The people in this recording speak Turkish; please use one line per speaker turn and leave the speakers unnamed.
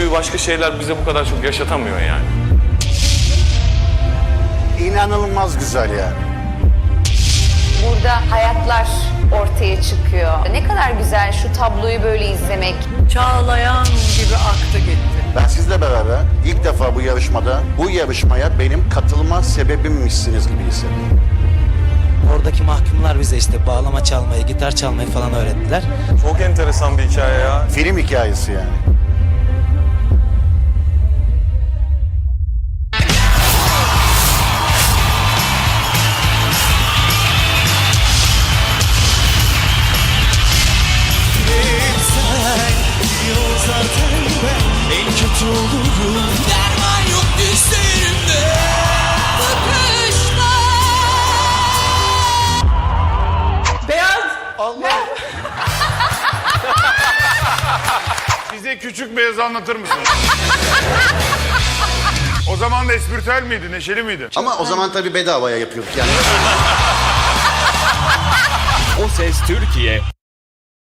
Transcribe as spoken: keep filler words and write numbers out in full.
duyguyu başka şeyler bize bu kadar çok yaşatamıyor yani.
İnanılmaz güzel yani.
Burada hayatlar ortaya çıkıyor. Ne kadar güzel şu tabloyu böyle izlemek.
Çağlayan gibi aktı gitti.
Ben sizle beraber ilk defa bu yarışmada, bu yarışmaya benim katılma sebebimmişsiniz gibi hissediyorum.
Oradaki mahkumlar bize işte bağlama çalmayı, gitar çalmayı falan öğrettiler.
Çok enteresan bir hikaye ya.
Film hikayesi yani.
En kötü olurum. Derman yok dizlerimde.
Bize Küçük Beyaz'ı anlatır mısın? O zaman da espritüel miydi, neşeli miydi?
Ama o zaman tabii bedavaya yapıyorduk yani.
O Ses Türkiye